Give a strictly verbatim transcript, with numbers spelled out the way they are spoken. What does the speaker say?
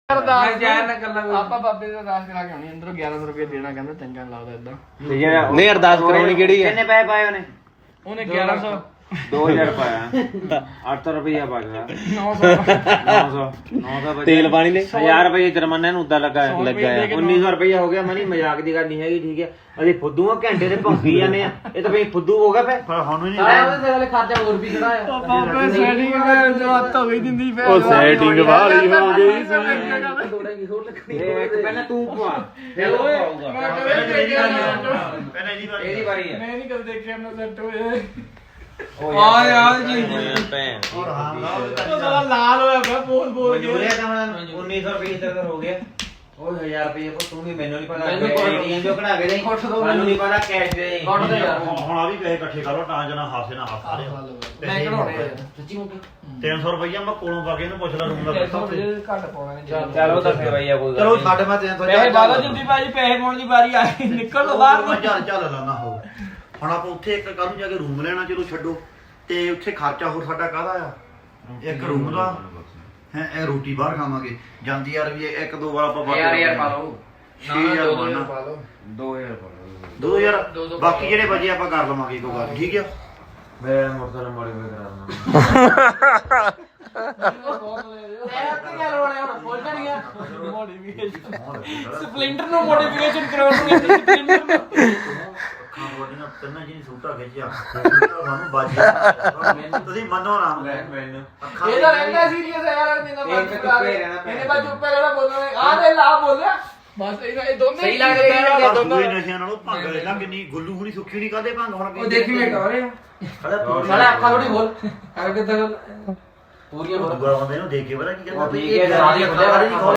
ਆਪਾਂ ਬਾਬੇ ਦਾ ਅਰਦਾਸ ਕਰਾ ਕੇ ਆਉਣੀ ਅੰਦਰੋਂ ਗਿਆਰਾਂ ਸੌ ਰੁਪਏ ਦੇਣਾ ਕਹਿੰਦਾ ਚੰਗਾ ਨੀ ਲੱਗਦਾ ਏਦਾਂ। ਨਹੀਂ ਅਰਦਾਸ ਕਰਾਉਣੀ ਕਿਹੜੀ ਹੈ? ਕਿੰਨੇ ਪੈਸੇ ਪਾਏ ਉਹਨੇ? ਉਹਨੇ ਗਿਆਰਾਂ ਸੌ दो हजार पाया आठ सौ रुपया पाया ਨੌ ਸੌ नौ सौ नौ सौ ਤੇਲ ਪਾਣੀ ਨੇ हजार रुपये जुर्माना उदा लगा ਲੱਗਾ ਆ उन्नीस सौ रुपया हो गया मनी मजाक की गल नहीं है ठीक है अरे फुद्दू घंटे से भौंकी जाने ये तो भाई फुद्दू हो गया फिर ਉਹਦੇ ਸਿਰ ਵਾਲੇ ਖਰਚਾ ਹੋਰ ਵੀ ਖੜਾ ਆ ਬਾਬੇ ਸੈਟਿੰਗ ਕਰ ਜੋ ਹੱਥ ਹੋ ਗਈ ਦਿੰਦੀ ਫੇਰ ਉਹ ਸੈਟਿੰਗ ਵਾਲੀ ਹੋ ਗਈ ਸੀ। पहले तू पवा ਫਿਰ ਓਏ ਮੈਂ ਕਦੇ ਦੇਖਿਆ ਇਹਦੀ ਵਾਰੀ ਹੈ ਮੈਂ ਨਹੀਂ ਕਦੇ ਦੇਖਿਆ ਨਾ ਸੈੱਟ ਹੋਏ ਆ ਯਾਰ ਜੀ ਭੈਣ ਉਹ ਸਾਲਾ ਲਾਲ ਹੋਇਆ ਪਿਆ ਬੋਲ ਬੋਲ ਕੇ ਮਜਬੂਰੀਆ ਤਾਂ उन्नीस सौ रुपये तक हो गया ਉਹ ਹਜ਼ਾਰ ਰੁਪਏ ਕੋ ਤੂੰ ਵੀ ਮੈਨੂੰ ਨਹੀਂ ਪਤਾ ਏਟੀਐਮ ਜੋ ਕਢਾ ਕੇ ਦੇ ਸਾਨੂੰ ਨਹੀਂ ਪਤਾ ਕੈਸ਼ ਦੇ ਕੱਢ ਦੇ ਯਾਰ ਹੁਣ ਆ ਵੀ ਪੈਸੇ ਇਕੱਠੇ ਕਰੋ ਤਾਂ ਜਨਾ ਹਾਸੇ ਨਾਲ ਹਾਸਾ ਰਿਹਾ ਮੈਂ ਕਢਾਉਣੇ ਆ ਸੱਚੀ ਮੁੱਕ ਤਿੰਨ ਸੌ ਰੁਪਈਆ ਮੈਂ ਕੋਲੋਂ ਪਾ ਕੇ ਇਹਨੂੰ ਪੁੱਛ ਲਾ ਰੂਮ ਦਾ ਪੈਸਾ ਉੱਥੇ। ਘੱਟ ਪਾਉਣਾ ਨਹੀਂ ਚਲੋ ਤਾਂ ਫਿਰ ਭਈਆ ਕੋਈ ਚਲੋ ਸਾਡੇ ਮੈਂ ਤਿੰਨ ਸੌ ਪੈਸੇ ਬਾਲਾ ਜੁੱਦੀ ਭਾਜੀ ਪੈਸੇ ਪਾਉਣ ਦੀ ਵਾਰੀ ਆਈ ਨਿਕਲ ਲੋ ਬਾਹਰ ਮੈਂ ਚੱਲ ਚੱਲ ਲਾਣਾ ਹੋ ਹੁਣ ਆਪਾਂ ਉੱਥੇ ਇੱਕ ਕੱਲ ਨੂੰ ਜਾ ਕੇ ਰੂਮ ਲੈਣਾ ਚਲੋ ਛੱਡੋ ਤੇ ਉੱਥੇ ਖਰਚਾ ਹੋਰ ਸਾਡਾ ਕਾਹਦਾ ਆ ਇੱਕ ਰੂਮ ਦਾ ਹੈ ਇਹ ਰੋਟੀ ਬਾਹਰ ਖਾਵਾਂਗੇ ਜਾਂਦੀ ਯਾਰ ਵੀ ਇੱਕ ਦੋ ਵਾਰ ਆਪਾਂ ਯਾਰ ਯਾਰ ਪਾ ਲਓ ਛੇ ਹਜ਼ਾਰ ਬਣਨਾ ਪਾ ਲਓ ਦੋ ਹਜ਼ਾਰ ਪਾ ਲਓ ਦੋ ਹਜ਼ਾਰ ਬਾਕੀ ਜਿਹੜੇ ਵਜੇ ਆਪਾਂ ਕਰ ਲਵਾਂਗੇ ਕੋਈ ਗੱਲ ਠੀਕ ਆ ਮੈਂ ਮੋਟਰਸਾਈਕਲ ਮੋਡੀਫਾਈ ਕਰਾਉਣਾ ਸਪਲਿੰਟਰ ਨੂੰ ਮੋਡੀਫਿਕੇਸ਼ਨ ਕਰਾਉਣੀ ਸਪਲਿੰਟਰ ਨੂੰ ਅੱਖਾਂ ਬੋਡੀਆਂ ਤਿੰਨਾਂ ਜੀ ਸੂਟਾ ਖਿੱਚਿਆ ਸਾਨੂੰ ਬਾਜੀ ਤੁਸੀਂ ਮੰਨੋ ਨਾ ਮੈਨੂੰ ਅੱਖਾਂ ਇਹ ਤਾਂ ਰਹਿੰਦਾ ਸੀਰੀਅਸ ਹੈ ਯਾਰ ਨਿੰਗਾ ਇਹ ਤਾਂ ਚੁੱਪੇ ਰਹਿਣਾ ਪੈਣਾ। ਇਹਨੇ ਬਾ ਚੁੱਪੇ ਰਹਿਣਾ ਬੋਲਣਾ ਆ ਦੇ ਲਾ ਬੋਲਿਆ ਬਸ ਇਹ ਇਹ ਦੋਨੇ ਸਹੀ ਲੱਗ ਰਿਹਾ ਯਾਰ। ਆਹ ਦੂਏ ਨਸ਼ਿਆਂ ਨਾਲੋਂ ਭੰਗ ਲੈਣਾ ਕਿੰਨੀ ਗੁੱਲੂ ਹੁਣੀ ਸੁੱਖੀ ਨਹੀਂ ਕਾਦੇ ਭੰਗ ਹੁਣ ਉਹ ਦੇਖੀ ਵੇਟ ਹੋ ਰਿਹਾ ਖੜਾ ਸਾਲਾ ਅੱਖਾਂ ਥੋੜੀ ਖੋਲ ਕਰ ਕਿੱਦਾਂ ਪੂਰੀਆਂ ਦੂਆ ਬੰਦੇ ਨੂੰ ਦੇਖ ਕੇ ਪਤਾ ਕੀ ਕਹਿੰਦਾ ਉਹ ਠੀਕ ਹੈ, ਸਾਰੀਆਂ ਖੋਲ।